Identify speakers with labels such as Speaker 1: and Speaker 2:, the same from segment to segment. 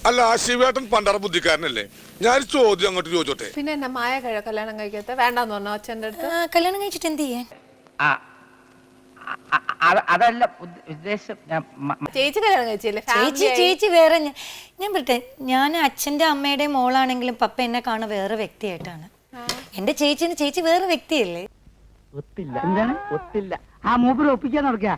Speaker 1: അല്ല ശിവേട്ടൻ പണ്ടറ ബുദ്ധിക്കാരനല്ലേ? ഞാൻ ചോദ്യം അങ്ങോട്ട് ചോദിച്ചോട്ടെ.
Speaker 2: പിന്നെ എന്നെ മായ കല്യാണം കഴിക്കാത്ത വേണ്ടെന്ന് പറഞ്ഞു അച്ഛൻ്റെ അടുത്ത്.
Speaker 3: കല്യാണം കഴിച്ചിട്ട് എന്ത് ചെയ്യാൻ?
Speaker 4: അതല്ല ഉദ്ദേശം.
Speaker 2: ചേച്ചി കല്യാണം കഴിച്ചില്ലേ?
Speaker 3: ചേച്ചി വേറെ. ഞാൻ പറട്ടെ, ഞാൻ അച്ഛൻ്റെ അമ്മയുടെയും മോളാണെങ്കിലും പപ്പ എന്നെ കാണുന്ന വേറെ വ്യക്തിയായിട്ടാണ്. എന്റെ ചേച്ചി വേറെ വ്യക്തിയല്ലേ?
Speaker 4: ഒത്തില്ല. എന്താണ് ഒത്തില്ല? ആ മൂപ്പര് ഒപ്പിക്കാൻ നടക്കുക.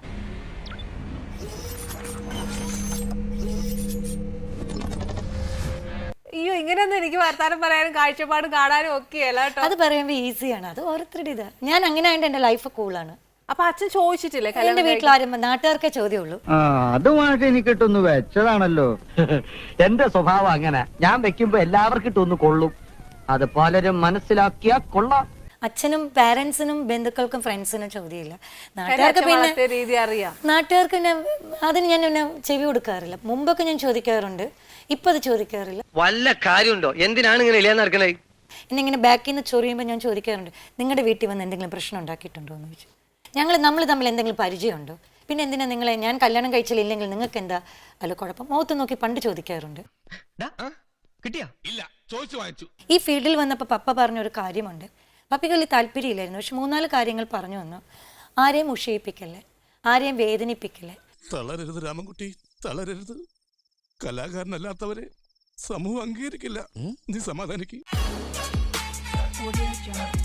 Speaker 2: അയ്യോ, ഇങ്ങനെയൊന്നും എനിക്ക് വർത്താനം പറയാനും കാഴ്ചപ്പാട് കാണാനും ഒക്കെയല്ല കേട്ടോ.
Speaker 3: അത് പറയുമ്പോ ഈസിയാണ്, അത് ഓരോരുത്തരുടെ ഇതാ. ഞാൻ അങ്ങനെ ആയിട്ട് എന്റെ ലൈഫ് കൂളാണ്.
Speaker 2: അപ്പൊ അച്ഛൻ ചോദിച്ചിട്ടില്ലേ?
Speaker 3: എന്റെ വീട്ടിൽ ആരും നാട്ടുകാർക്കേ ചോദ്യമുള്ളൂ.
Speaker 4: അതുമായിട്ട് എനിക്ക് ഇട്ടൊന്ന് വെച്ചതാണല്ലോ. എന്റെ സ്വഭാവം അങ്ങനെ, ഞാൻ വെക്കുമ്പോ എല്ലാവർക്കും ഇട്ടൊന്ന് കൊള്ളും. അത് പലരും മനസ്സിലാക്കിയാ കൊള്ളാം.
Speaker 3: അച്ഛനും പാരന്റ്സിനും ബന്ധുക്കൾക്കും ഫ്രണ്ട്സിനും ചോദ്യമില്ല. നാട്ടുകാർക്ക് പിന്നെ
Speaker 2: രീതി അറിയാം.
Speaker 3: നാട്ടുകാർക്ക് അതിന് ഞാൻ പിന്നെ ചെവി കൊടുക്കാറില്ല. മുമ്പൊക്കെ ഞാൻ ചോദിക്കാറുണ്ട്, ഇപ്പൊ അത് ചോദിക്കാറില്ല.
Speaker 5: വല്ല കാര്യമുണ്ടോ? എന്തിനാണ് ഇങ്ങനെ ഇല്ലാന്ന് നടക്കണേ?
Speaker 3: എന്നെ ഇങ്ങനെ ബാക്കിൽ നിന്ന് ചൊറിയുമ്പോൾ ഞാൻ ചോദിക്കാറുണ്ട്, നിങ്ങളുടെ വീട്ടിൽ വന്ന് എന്തെങ്കിലും പ്രശ്നം ഉണ്ടാക്കിയിട്ടുണ്ടോ എന്ന് ചോദിച്ചു. നമ്മൾ തമ്മിൽ എന്തെങ്കിലും പരിചയമുണ്ടോ? പിന്നെ എന്തിനാ നിങ്ങളെ ഞാൻ കല്യാണം കഴിച്ചില്ലെങ്കിൽ നിങ്ങൾക്ക് എന്താ അല്ല കുഴപ്പം? മുഖത്ത് നോക്കി പണ്ട് ചോദിക്കാറുണ്ട്. ഈ ഫീൽഡിൽ വന്നപ്പോൾ പപ്പ പറഞ്ഞൊരു കാര്യമുണ്ട്. പപ്പയ്ക്ക് വലിയ താല്പര്യമില്ലായിരുന്നു, പക്ഷെ 3-4 കാര്യങ്ങൾ പറഞ്ഞു വന്നു. ആരെയും ഉഷയിപ്പിക്കല്ലേ, ആരെയും വേദനിപ്പിക്കല്ലേ.
Speaker 1: തളരരുത് രാമൻകുട്ടി, തളരരുത്. കലാകാരനല്ലാത്തവരെ സമൂഹം അംഗീകരിക്കില്ല. നീ സമാധാനിക്ക്.